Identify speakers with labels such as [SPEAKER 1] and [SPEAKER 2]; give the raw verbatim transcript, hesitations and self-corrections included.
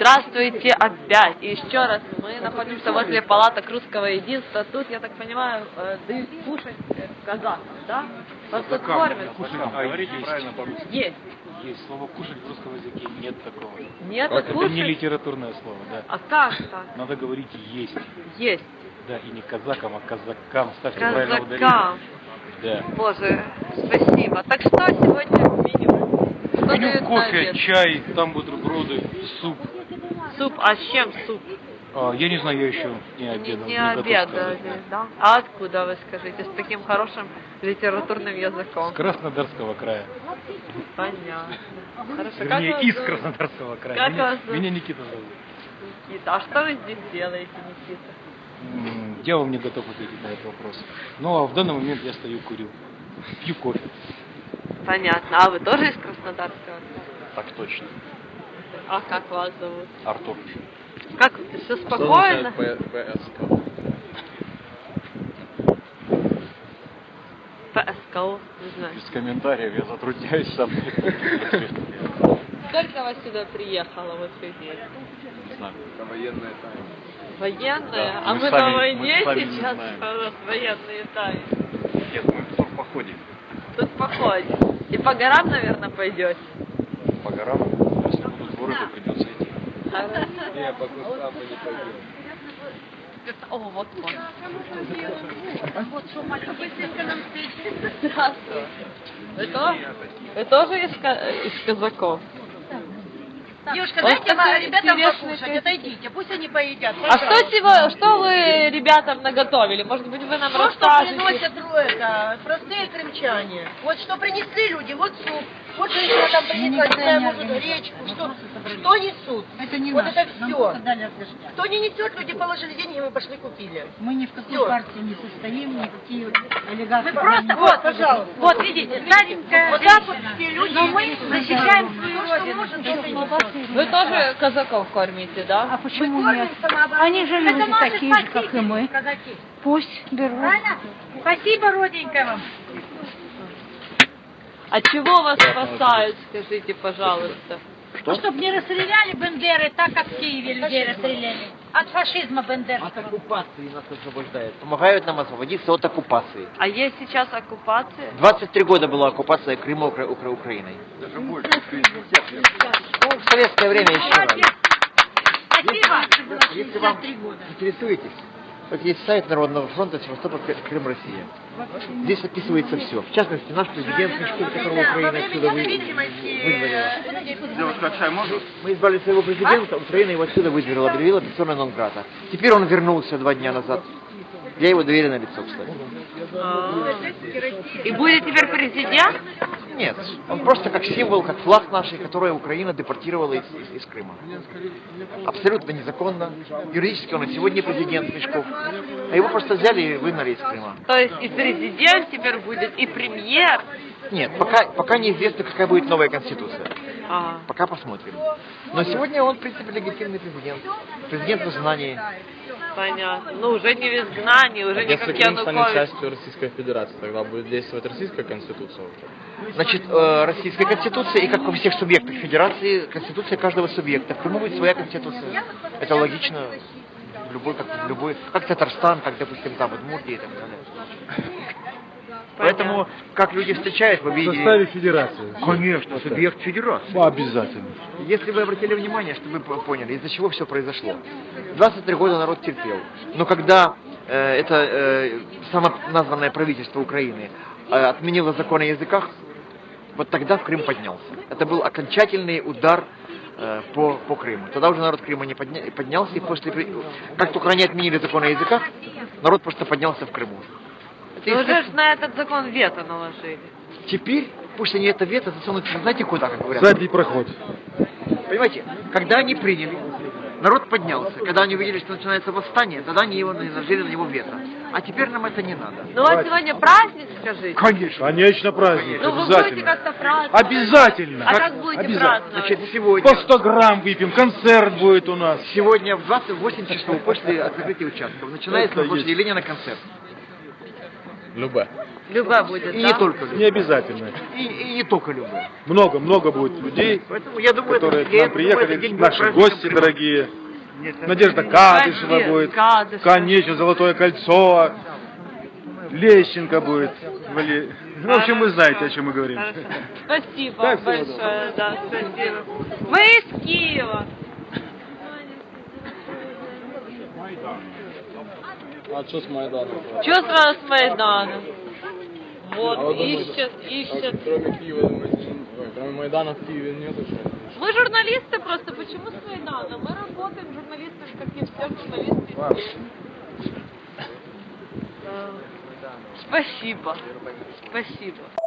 [SPEAKER 1] Здравствуйте опять. И еще раз, мы находимся возле палаток русского единства. Тут, я так понимаю, дают кушать казахам, да? Вас тут кормят?
[SPEAKER 2] Говорите правильно по-русски.
[SPEAKER 1] Есть.
[SPEAKER 2] Есть. Слово «кушать» в русском языке нет такого.
[SPEAKER 1] Нет,
[SPEAKER 2] это
[SPEAKER 1] кушать?
[SPEAKER 2] не литературное слово, да.
[SPEAKER 1] А как так?
[SPEAKER 2] Надо говорить «есть».
[SPEAKER 1] Есть.
[SPEAKER 2] Да, и не казакам, а казакам. Ставьте правильно ударение.
[SPEAKER 1] Казакам.
[SPEAKER 2] Да.
[SPEAKER 1] Боже, спасибо. Так что сегодня в меню? Что
[SPEAKER 2] Меню
[SPEAKER 1] дают на
[SPEAKER 2] кофе,
[SPEAKER 1] обед?
[SPEAKER 2] чай, там бутерброды, суп.
[SPEAKER 1] Суп, а с чем суп?
[SPEAKER 2] А, я не знаю, я еще не
[SPEAKER 1] Не,
[SPEAKER 2] обедал.
[SPEAKER 1] не
[SPEAKER 2] готов
[SPEAKER 1] обедали,
[SPEAKER 2] сказать.
[SPEAKER 1] да? А откуда вы скажите? С таким хорошим литературным языком.
[SPEAKER 2] С Краснодарского края.
[SPEAKER 1] Понятно. Хорошо.
[SPEAKER 2] Вернее,
[SPEAKER 1] как
[SPEAKER 2] из
[SPEAKER 1] вас зовут?
[SPEAKER 2] Краснодарского края.
[SPEAKER 1] Как
[SPEAKER 2] меня,
[SPEAKER 1] вас зовут?
[SPEAKER 2] меня Никита зовут.
[SPEAKER 1] Никита, а что вы здесь делаете, Никита?
[SPEAKER 2] М, Я вам не готов ответить на этот вопрос. Ну, а в данный момент я стою, курю. Пью кофе.
[SPEAKER 1] Понятно. А вы тоже из Краснодарского?
[SPEAKER 2] Так точно.
[SPEAKER 1] А как вас зовут?
[SPEAKER 2] Артур.
[SPEAKER 1] Как все спокойно?
[SPEAKER 2] ПСК.
[SPEAKER 1] ПСКО, не знаю.
[SPEAKER 2] Без комментариев, я затрудняюсь сам.
[SPEAKER 1] Сколько вас сюда приехало вот людей?
[SPEAKER 2] Не знаю.
[SPEAKER 3] Военная тайна.
[SPEAKER 1] Военные?
[SPEAKER 2] Да,
[SPEAKER 1] а
[SPEAKER 2] мы
[SPEAKER 1] мы
[SPEAKER 2] сами-
[SPEAKER 1] на
[SPEAKER 2] мы
[SPEAKER 1] войне
[SPEAKER 2] сами не
[SPEAKER 1] сейчас,
[SPEAKER 2] знаем.
[SPEAKER 1] а у нас военные тайны.
[SPEAKER 2] Нет, мы в турпоходе.
[SPEAKER 1] Тут походим. И по горам, наверное, пойдете?
[SPEAKER 2] По горам. Если будут воры, то придется идти.
[SPEAKER 3] Не, по кустам мы не пойдем.
[SPEAKER 1] О, вот он. Здравствуйте. Вы, то- вы тоже из, ка- из казаков?
[SPEAKER 4] Девушка,
[SPEAKER 1] Вот
[SPEAKER 4] дайте
[SPEAKER 1] такой
[SPEAKER 4] ма- ребятам
[SPEAKER 1] интересный
[SPEAKER 4] покушать,
[SPEAKER 1] пес-
[SPEAKER 4] отойдите, пусть они поедят.
[SPEAKER 1] А что, сего- что вы ребятам наготовили? Может быть, вы нам
[SPEAKER 4] То, что
[SPEAKER 1] расскажете?
[SPEAKER 4] приносят ну, это, простые крымчане. Вот что принесли люди, вот суп. Вот женщина там принесла, не знаю, может, гречку. Что, что несут?
[SPEAKER 5] Это не
[SPEAKER 4] Вот
[SPEAKER 5] наше.
[SPEAKER 4] это
[SPEAKER 5] Нам
[SPEAKER 4] все.
[SPEAKER 5] просто дали разрешение.
[SPEAKER 4] Кто не несет, люди положили деньги, мы пошли купили.
[SPEAKER 5] Мы ни в какой
[SPEAKER 4] Всё.
[SPEAKER 5] партии не состоим, никакие олигархи.
[SPEAKER 4] Вы просто, вот, пожалуйста.
[SPEAKER 5] Вот, видите, старенькая
[SPEAKER 4] Вот так вот все люди.
[SPEAKER 5] Но мы защищаем свою
[SPEAKER 4] То, что
[SPEAKER 5] родину.
[SPEAKER 4] может,
[SPEAKER 5] Это
[SPEAKER 4] то,
[SPEAKER 5] не
[SPEAKER 4] что
[SPEAKER 5] ваши
[SPEAKER 1] Вы
[SPEAKER 5] ребята.
[SPEAKER 1] тоже казаков кормите, да?
[SPEAKER 5] А почему
[SPEAKER 4] Мы
[SPEAKER 5] нет?
[SPEAKER 4] кормим самооборону.
[SPEAKER 5] Они же
[SPEAKER 4] Это
[SPEAKER 5] люди
[SPEAKER 4] наши
[SPEAKER 5] такие же, как и
[SPEAKER 4] спасители,
[SPEAKER 5] мы.
[SPEAKER 4] казаки.
[SPEAKER 5] Пусть берут.
[SPEAKER 4] Правильно? Спасибо, родненькая вам.
[SPEAKER 1] А чего вас спасают, скажите, пожалуйста?
[SPEAKER 5] Ну, чтобы не расстреляли Бендеры так, как в Киеве людей расстреляли. От фашизма
[SPEAKER 6] От
[SPEAKER 5] бендерского.
[SPEAKER 6] оккупации нас освобождают. Помогают нам освободиться от оккупации.
[SPEAKER 1] А есть сейчас оккупация?
[SPEAKER 6] двадцать три года была оккупация Крыма Укра- Укра- Украиной.
[SPEAKER 3] Даже больше.
[SPEAKER 6] Ну, в советское время еще раз.
[SPEAKER 5] Спасибо.
[SPEAKER 6] Если вам интересуетесь, вот есть сайт Народного фронта Севастополь, Крым, Россия. Здесь описывается все. В частности, наш президент Мишкин, которого Украина отсюда вы- выдворила.
[SPEAKER 3] Девушка, чай можно?
[SPEAKER 6] Мы избрали своего президента, Украина его отсюда выдворила, объявила персона нон-грата. Теперь он вернулся два дня назад. Я его доверенное лицо, кстати.
[SPEAKER 1] И будет теперь президент?
[SPEAKER 6] Нет, он просто как символ, как флаг нашей, который Украина депортировала из, из- из Крыма. Абсолютно незаконно. Юридически он и сегодня президент Мешков. А его просто взяли и выгнали из Крыма.
[SPEAKER 1] То есть и президент теперь будет, и премьер?
[SPEAKER 6] Нет, пока, пока неизвестно, какая будет новая конституция.
[SPEAKER 1] А,
[SPEAKER 6] Пока посмотрим. Но сегодня он, в принципе, легитимный президент. Президент в изгнании.
[SPEAKER 1] понятно. Ну, уже не в изгнании, уже не
[SPEAKER 7] Если
[SPEAKER 1] как
[SPEAKER 7] Крым станет
[SPEAKER 1] Янукович.
[SPEAKER 7] частью Российской Федерации, тогда будет действовать Российская Конституция уже.
[SPEAKER 6] Значит, э, Российская Конституция, и как во всех субъектах Федерации, Конституция каждого субъекта. В Крыму будет своя Конституция. Это логично. В любой, как, в любой, как Татарстан, как, допустим, там, Удмуртия и так далее. Поэтому, как люди встречают, вы
[SPEAKER 8] В
[SPEAKER 6] видели...
[SPEAKER 8] составе федерации.
[SPEAKER 6] Конечно, субъект федерации.
[SPEAKER 8] Ну, обязательно.
[SPEAKER 6] Если вы обратили внимание, чтобы вы поняли, из-за чего все произошло. двадцать три года народ терпел. Но когда э, это э, самоназванное правительство Украины э, отменило закон о языках, вот тогда в Крым поднялся. Это был окончательный удар э, по, по Крыму. Тогда уже народ Крыма не подня... поднялся, и после... как только они отменили закон о языках, народ просто поднялся в Крыму. Это
[SPEAKER 1] Ну,
[SPEAKER 6] естественно.
[SPEAKER 1] уже ж на этот закон вето наложили.
[SPEAKER 6] Теперь, пусть они это вето засунут, знаете куда, как говорят?
[SPEAKER 8] Задний проход.
[SPEAKER 6] Понимаете, когда они приняли, народ поднялся. Когда они увидели, что начинается восстание, тогда они его наложили на него вето. А теперь нам это не надо.
[SPEAKER 1] Ну, а сегодня праздник, скажите?
[SPEAKER 6] Конечно.
[SPEAKER 8] Конечно, праздник.
[SPEAKER 1] Ну, вы будете
[SPEAKER 8] Обязательно.
[SPEAKER 1] как-то праздновать?
[SPEAKER 8] Обязательно.
[SPEAKER 1] А как будете
[SPEAKER 8] Обязательно.
[SPEAKER 1] праздновать?
[SPEAKER 6] Значит, сегодня,
[SPEAKER 8] По сто грамм выпьем, концерт будет у нас.
[SPEAKER 6] сегодня в двадцать восемь часов после открытия участков начинается
[SPEAKER 8] Это
[SPEAKER 6] на площади
[SPEAKER 8] есть.
[SPEAKER 6] Ленина концерт.
[SPEAKER 7] Любе.
[SPEAKER 1] Любая будет,
[SPEAKER 6] И
[SPEAKER 1] да?
[SPEAKER 6] не только
[SPEAKER 8] Не
[SPEAKER 6] любые.
[SPEAKER 8] обязательно.
[SPEAKER 6] И, и не только любые.
[SPEAKER 8] Много-много будет людей,
[SPEAKER 6] Поэтому я думаю,
[SPEAKER 8] которые
[SPEAKER 6] это,
[SPEAKER 8] к
[SPEAKER 6] я
[SPEAKER 8] нам
[SPEAKER 6] думаю,
[SPEAKER 8] приехали,
[SPEAKER 6] этот день будет
[SPEAKER 8] наши
[SPEAKER 6] праздником
[SPEAKER 8] гости
[SPEAKER 6] прямо.
[SPEAKER 8] дорогие. Надежда Кадышева
[SPEAKER 1] Надежда
[SPEAKER 8] будет,
[SPEAKER 1] Кадышева.
[SPEAKER 8] конечно, Золотое кольцо, Лещенко будет. Вали- Ну, в общем, вы знаете, о чем мы говорим.
[SPEAKER 1] Хорошо. Спасибо
[SPEAKER 8] Так, всего
[SPEAKER 1] большое, да, спасибо. Мы из Киева.
[SPEAKER 7] А что с Майданом?
[SPEAKER 1] Что сразу с Майдана? Вот,
[SPEAKER 7] А вы думаете,
[SPEAKER 1] ищет,
[SPEAKER 7] а
[SPEAKER 1] ищет.
[SPEAKER 7] кроме Киева, думаете, ой, кроме Майдана в Киеве нету что?
[SPEAKER 1] Мы журналисты просто. Почему с Майдана? Мы работаем журналистами, как и все журналисты. Э, Спасибо. Спасибо.